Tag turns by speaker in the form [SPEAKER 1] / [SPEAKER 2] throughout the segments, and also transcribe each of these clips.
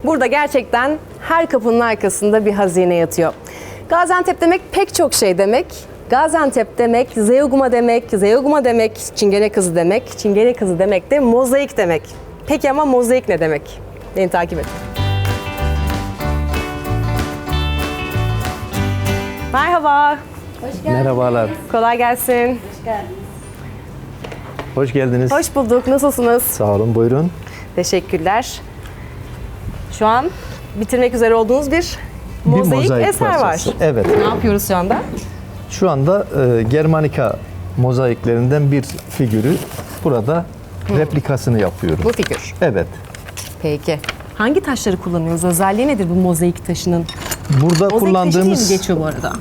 [SPEAKER 1] Burada gerçekten her kapının arkasında bir hazine yatıyor. Gaziantep demek pek çok şey demek. Gaziantep demek, Zeugma demek, Zeugma demek, Çingene kızı demek, Çingene kızı demek de mozaik demek. Peki ama mozaik ne demek? Beni takip et. Merhaba.
[SPEAKER 2] Hoş geldiniz. Merhabalar.
[SPEAKER 1] Kolay gelsin.
[SPEAKER 2] Hoş geldiniz.
[SPEAKER 3] Hoş geldiniz.
[SPEAKER 1] Hoş bulduk. Nasılsınız?
[SPEAKER 3] Sağ olun, buyurun.
[SPEAKER 1] Teşekkürler. Şu an bitirmek üzere olduğunuz bir mozaik eser var.
[SPEAKER 3] parçası. Evet.
[SPEAKER 1] Ne yapıyoruz şu anda?
[SPEAKER 3] Şu anda Germanika mozaiklerinden bir figürü burada replikasını yapıyoruz.
[SPEAKER 1] Bu figür.
[SPEAKER 3] Evet.
[SPEAKER 1] Peki. Hangi taşları kullanıyoruz? Özelliği nedir bu mozaik taşının?
[SPEAKER 3] Burada
[SPEAKER 1] Mozaik taşı diye mi
[SPEAKER 3] kullandığımız
[SPEAKER 1] geçiyor bu arada?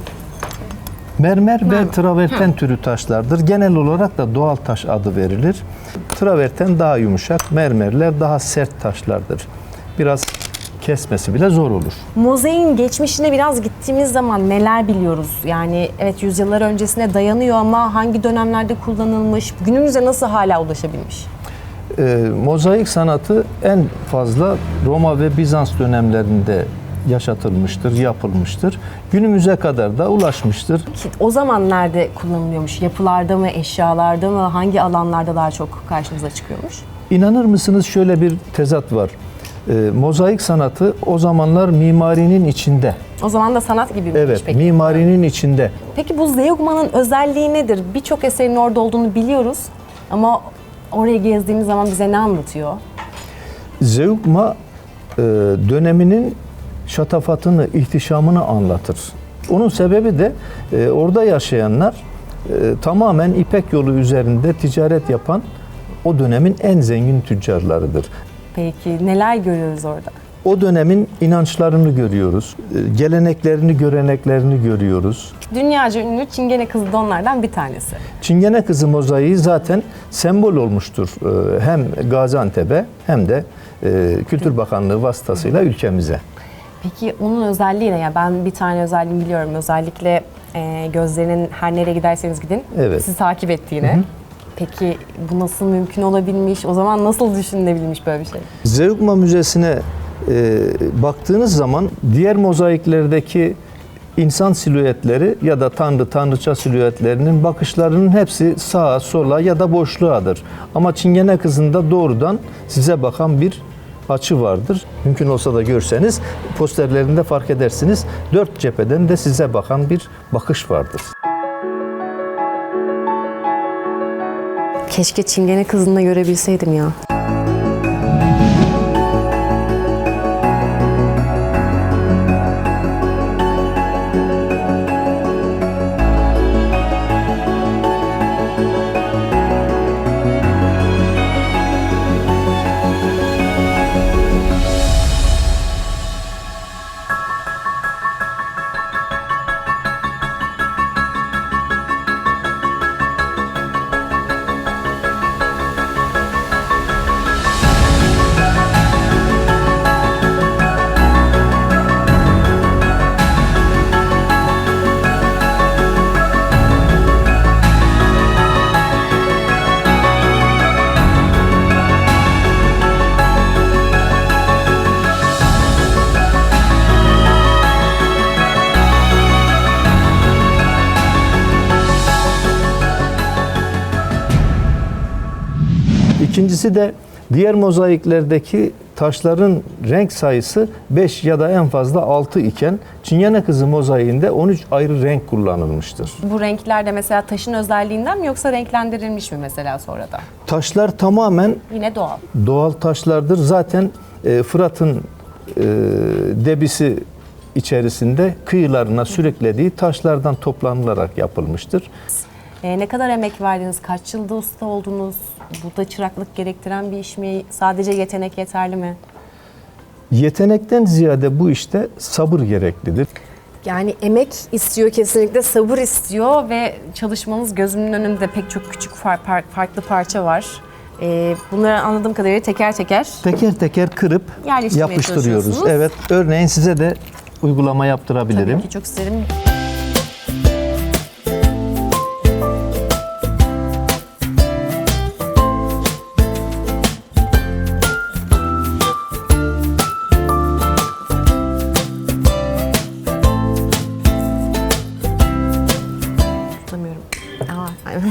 [SPEAKER 3] mermer ve traverten türü taşlardır. Genel olarak da doğal taş adı verilir. Traverten daha yumuşak, mermerler daha sert taşlardır. Biraz kesmesi bile zor olur.
[SPEAKER 1] Mozaiğin geçmişine biraz gittiğimiz zaman neler biliyoruz? Yani evet yüzyıllar öncesine dayanıyor ama hangi dönemlerde kullanılmış, günümüze nasıl hala ulaşabilmiş?
[SPEAKER 3] Mozaik sanatı en fazla Roma ve Bizans dönemlerinde yaşatılmıştır, yapılmıştır. Günümüze kadar da ulaşmıştır.
[SPEAKER 1] O zaman nerede kullanılıyormuş? Yapılarda mı, eşyalarda mı, hangi alanlarda daha çok karşımıza çıkıyormuş?
[SPEAKER 3] İnanır mısınız şöyle bir tezat var. Mozaik sanatı o zamanlar mimarinin içinde.
[SPEAKER 1] O zaman da sanat gibi miymiş
[SPEAKER 3] Evet,
[SPEAKER 1] peki?
[SPEAKER 3] mimarinin içinde.
[SPEAKER 1] Peki bu Zeugma'nın özelliği nedir? Birçok eserin orada olduğunu biliyoruz ama oraya gezdiğimiz zaman bize ne anlatıyor?
[SPEAKER 3] Zeugma döneminin şatafatını, ihtişamını anlatır. Onun sebebi de orada yaşayanlar tamamen İpek yolu üzerinde ticaret yapan o dönemin en zengin tüccarlarıdır.
[SPEAKER 1] Peki neler görüyoruz orada?
[SPEAKER 3] O dönemin inançlarını görüyoruz, geleneklerini, göreneklerini görüyoruz.
[SPEAKER 1] Dünyaca ünlü Çingene kızı da onlardan bir tanesi.
[SPEAKER 3] Çingene kızı mozaiği zaten sembol olmuştur hem Gaziantep'e hem de Kültür Bakanlığı vasıtasıyla ülkemize.
[SPEAKER 1] Peki onun özelliği ne? Yani ben bir tane özelliğini biliyorum. Özellikle gözlerinin her nereye giderseniz gidin
[SPEAKER 3] Evet.
[SPEAKER 1] sizi takip ettiğini. Hı hı. Peki bu nasıl mümkün olabilmiş? O zaman nasıl düşünülebilmiş böyle bir şey?
[SPEAKER 3] Zeugma Müzesi'ne baktığınız zaman diğer mozaiklerdeki insan silüetleri ya da tanrıça silüetlerinin bakışlarının hepsi sağa, sola ya da boşluğadır. Ama Çingene kızında doğrudan size bakan bir açı vardır. Mümkün olsa da görseniz posterlerinde fark edersiniz. Dört cepheden de size bakan bir bakış vardır.
[SPEAKER 1] Keşke Çingene kızını da görebilseydim ya.
[SPEAKER 3] İkincisi de diğer mozaiklerdeki taşların renk sayısı 5 ya da en fazla 6 iken Çingene kızı mozaiğinde 13 ayrı renk kullanılmıştır.
[SPEAKER 1] Bu renkler de mesela taşın özelliğinden mi yoksa renklendirilmiş mi mesela sonradan?
[SPEAKER 3] Taşlar tamamen
[SPEAKER 1] Yine doğal.
[SPEAKER 3] doğal taşlardır. Zaten Fırat'ın debisi içerisinde kıyılarına sürüklediği taşlardan toplanılarak yapılmıştır.
[SPEAKER 1] Ne kadar emek verdiniz? Kaç yılda usta oldunuz? Bu da çıraklık gerektiren bir iş mi? Sadece yetenek yeterli mi?
[SPEAKER 3] Yetenekten ziyade bu işte sabır gereklidir.
[SPEAKER 1] Yani emek istiyor kesinlikle, sabır istiyor ve çalışmanız gözümün önünde pek çok küçük farklı parça var. Bunları anladığım kadarıyla teker
[SPEAKER 3] Teker kırıp
[SPEAKER 1] yerleştirmeye
[SPEAKER 3] yapıştırıyoruz.
[SPEAKER 1] çalışıyorsunuz.
[SPEAKER 3] Evet, örneğin size de uygulama yaptırabilirim.
[SPEAKER 1] Tabii ki çok isterim.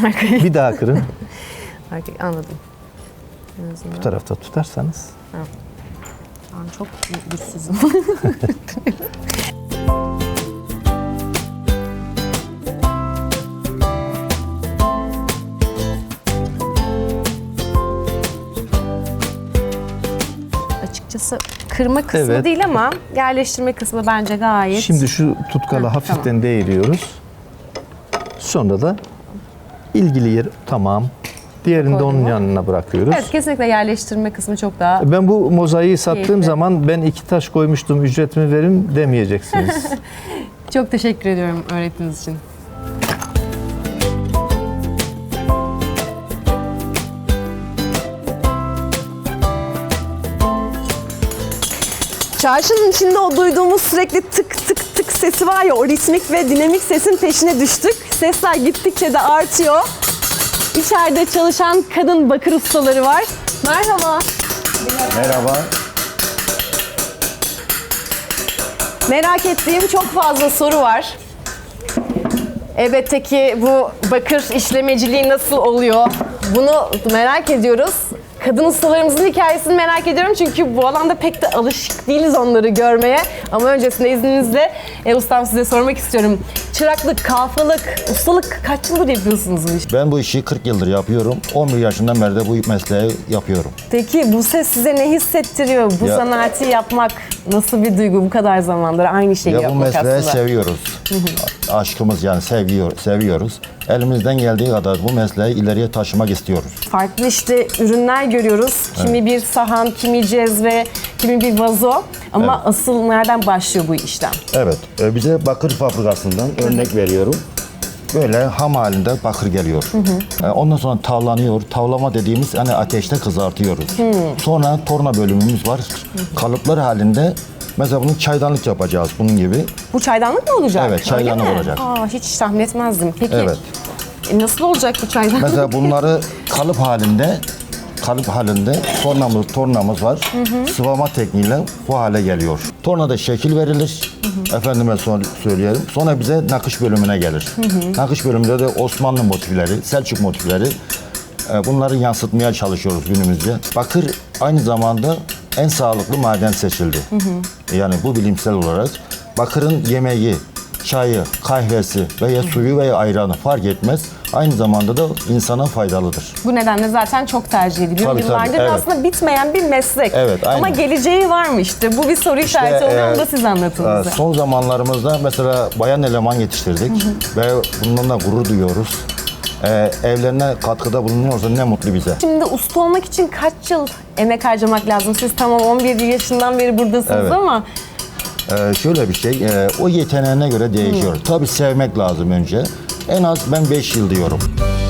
[SPEAKER 1] Arkaya.
[SPEAKER 3] Bir daha kırın.
[SPEAKER 1] Anladım.
[SPEAKER 3] Bu tarafta tutarsanız.
[SPEAKER 1] Ben çok güçsüzüm. Açıkçası kırma kısmı
[SPEAKER 3] Evet.
[SPEAKER 1] değil ama yerleştirme kısmı bence gayet.
[SPEAKER 3] Şimdi şu tutkalı hafiften
[SPEAKER 1] tamam.
[SPEAKER 3] değiriyoruz. Sonra da ilgili yer tamam. Diğerini de
[SPEAKER 1] Koydum
[SPEAKER 3] onun
[SPEAKER 1] mu?
[SPEAKER 3] yanına bırakıyoruz.
[SPEAKER 1] Evet, kesinlikle yerleştirme kısmı çok daha.
[SPEAKER 3] Ben bu mozaiği sattığım
[SPEAKER 1] Keyifli.
[SPEAKER 3] zaman ben 2 taş koymuştum, ücretimi verin demeyeceksiniz.
[SPEAKER 1] Çok teşekkür ediyorum öğrettiğiniz için. Çarşının içinde o duyduğumuz sürekli tık tık tık sesi var ya, o ritmik ve dinamik sesin peşine düştük. Sesler gittikçe de artıyor. İçeride çalışan kadın bakır ustaları var. Merhaba.
[SPEAKER 4] Merhaba.
[SPEAKER 1] Merak ettiğim çok fazla soru var. Elbette ki bu bakır işlemeciliği nasıl oluyor? Bunu merak ediyoruz. Kadın ustalarımızın hikayesini merak ediyorum çünkü bu alanda pek de alışık değiliz onları görmeye. Ama öncesinde izninizle ustam size sormak istiyorum. Çıraklık, kalfalık, ustalık kaç yıldır yapıyorsunuz bu işi?
[SPEAKER 4] Ben bu işi 40 yıldır yapıyorum. 11 yaşından beri de bu mesleği yapıyorum.
[SPEAKER 1] Peki bu ses size ne hissettiriyor? Bu
[SPEAKER 4] Ya-
[SPEAKER 1] sanatı yapmak nasıl bir duygu bu kadar zamandır aynı şeyi
[SPEAKER 4] Ya bu
[SPEAKER 1] yapmak
[SPEAKER 4] mesleği
[SPEAKER 1] aslında?
[SPEAKER 4] seviyoruz. Aşkımız yani seviyoruz. Elimizden geldiği kadar bu mesleği ileriye taşımak istiyoruz.
[SPEAKER 1] Farklı işte ürünler görüyoruz. Kimi bir sahan, kimi cezve, kimi bir vazo. Ama asıl nereden başlıyor bu işlem?
[SPEAKER 4] Evet, bize bakır fabrikasından örnek veriyorum. Böyle ham halinde bakır geliyor. Ondan sonra tavlanıyor. Tavlama dediğimiz hani ateşte kızartıyoruz. Sonra torna bölümümüz var. Kalıplar halinde mesela bunu çaydanlık yapacağız bunun gibi.
[SPEAKER 1] Bu çaydanlık mı olacak?
[SPEAKER 4] Evet, çaydanlık
[SPEAKER 1] Öyle mi?
[SPEAKER 4] olacak.
[SPEAKER 1] Aa, hiç tahmin etmezdim. Peki
[SPEAKER 4] Evet.
[SPEAKER 1] nasıl olacak bu çaydanlık?
[SPEAKER 4] Mesela bunları kalıp halinde tornamız var. Sıvama tekniğiyle bu hale geliyor. Tornada şekil verilir. Efendime söyleyelim. Sonra bize nakış bölümüne gelir. Nakış bölümünde de Osmanlı motifleri, Selçuk motifleri bunları yansıtmaya çalışıyoruz günümüzde. Bakır aynı zamanda en sağlıklı maden seçildi. Yani bu bilimsel olarak. Bakırın yemeği, çayı, kahvesi veya suyu veya ayranı fark etmez. Aynı zamanda da insana faydalıdır.
[SPEAKER 1] Bu nedenle zaten çok tercih ediliyor.
[SPEAKER 4] Tabii,
[SPEAKER 1] Yıllardır
[SPEAKER 4] tabii, evet.
[SPEAKER 1] aslında bitmeyen bir meslek.
[SPEAKER 4] Evet, aynen.
[SPEAKER 1] Ama geleceği var mı işte? Bu bir soru işareti oluyor. Onu da siz anlatın bize.
[SPEAKER 4] Son zamanlarımızda mesela bayan eleman yetiştirdik ve bundan da gurur duyuyoruz. Evlerine katkıda bulunuyorsa ne mutlu bize.
[SPEAKER 1] Şimdi usta olmak için kaç yıl emek harcamak lazım? Siz tamam 11 yaşından beri buradasınız
[SPEAKER 4] Evet.
[SPEAKER 1] ama
[SPEAKER 4] Şöyle bir şey, o yeteneğine göre değişiyor. Tabii sevmek lazım önce. En az ben 5 yıl diyorum.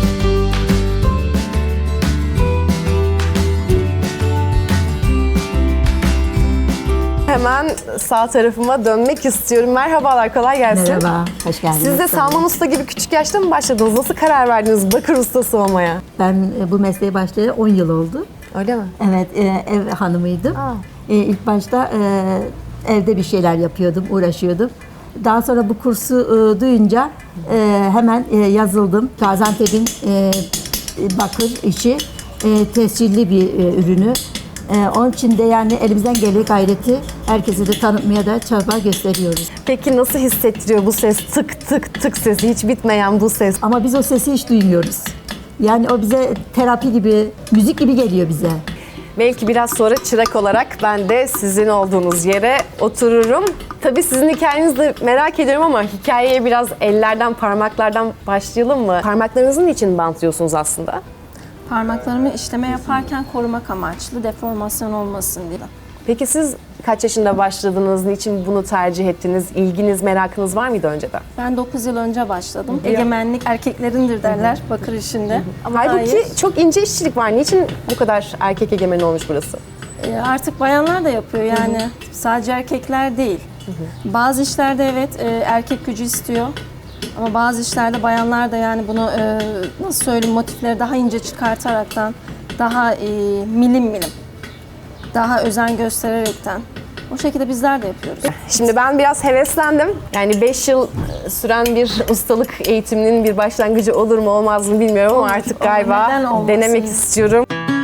[SPEAKER 1] hemen sağ tarafıma dönmek istiyorum. Merhabalar, kolay gelsin.
[SPEAKER 2] Merhaba, hoş geldiniz.
[SPEAKER 1] Siz de Salman Usta gibi küçük yaşta mı başladınız? Nasıl karar verdiniz bakır ustası olmaya?
[SPEAKER 2] Ben bu mesleğe başlayalı 10 yıl oldu.
[SPEAKER 1] Öyle mi?
[SPEAKER 2] Evet, ev hanımıydım.
[SPEAKER 1] Aa.
[SPEAKER 2] İlk başta evde bir şeyler yapıyordum, uğraşıyordum. Daha sonra bu kursu duyunca hemen yazıldım. Gaziantep'in bakır işi tescilli bir ürünü. Onun için de yani elimizden geldiği gayreti herkese de tanıtmaya da çaba gösteriyoruz.
[SPEAKER 1] Peki nasıl hissettiriyor bu ses? Tık tık tık sesi, hiç bitmeyen bu ses.
[SPEAKER 2] Ama biz o sesi hiç duymuyoruz. Yani o bize terapi gibi, müzik gibi geliyor bize.
[SPEAKER 1] Belki biraz sonra çırak olarak ben de sizin olduğunuz yere otururum. Tabii sizin hikayenizi de merak ediyorum ama hikayeye biraz ellerden, parmaklardan başlayalım mı? Parmaklarınızın için bantlıyorsunuz aslında?
[SPEAKER 5] Parmaklarımı işleme yaparken korumak amaçlı, deformasyon olmasın diye.
[SPEAKER 1] Peki siz kaç yaşında başladınız? Niçin bunu tercih ettiniz? İlginiz, merakınız var mıydı önceden?
[SPEAKER 5] Ben 9 yıl önce başladım. Egemenlik erkeklerindir derler bakır işinde. Ama
[SPEAKER 1] Halbuki
[SPEAKER 5] hayır.
[SPEAKER 1] çok ince işçilik var. Niçin bu kadar erkek egemen olmuş burası?
[SPEAKER 5] Artık bayanlar da yapıyor yani. Sadece erkekler değil. Bazı işlerde evet erkek gücü istiyor. Ama bazı işlerde bayanlar da yani bunu nasıl söyleyeyim motifleri daha ince çıkartaraktan, daha milim milim, daha özen göstererekten O şekilde bizler de yapıyoruz.
[SPEAKER 1] Şimdi ben biraz heveslendim. Yani 5 yıl süren bir ustalık eğitiminin bir başlangıcı olur mu olmaz mı bilmiyorum ama
[SPEAKER 5] Olur,
[SPEAKER 1] artık
[SPEAKER 5] olur.
[SPEAKER 1] galiba
[SPEAKER 5] Neden olmasın?
[SPEAKER 1] denemek istiyorum.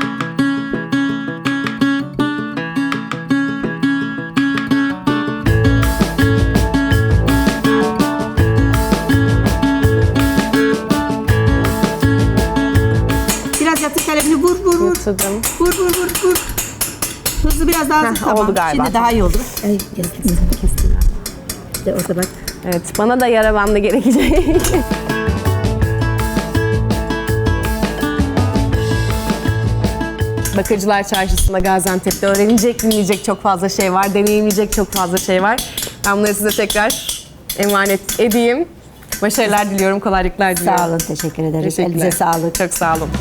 [SPEAKER 2] Biraz yatır kalemini vur vur vur.
[SPEAKER 1] Yatırdım.
[SPEAKER 2] Vur vur vur vur. Hızlı biraz daha hızlı. Tamam.
[SPEAKER 1] oldu galiba.
[SPEAKER 2] Şimdi daha iyi oldu. Ay kestim ben. İşte orada bak.
[SPEAKER 1] Evet, bana da yara bandı gerekecek. Bakırcılar Çarşısı'nda Gaziantep'te öğrenilecek, dinleyecek çok fazla şey var, deneyimleyecek çok fazla şey var. Ben bunları size tekrar emanet edeyim. Başarılar diliyorum, kolaylıklar diliyorum.
[SPEAKER 2] Sağ olun, teşekkür ederiz.
[SPEAKER 1] Teşekkürler.
[SPEAKER 2] Elinize sağlık.
[SPEAKER 1] Çok sağ olun.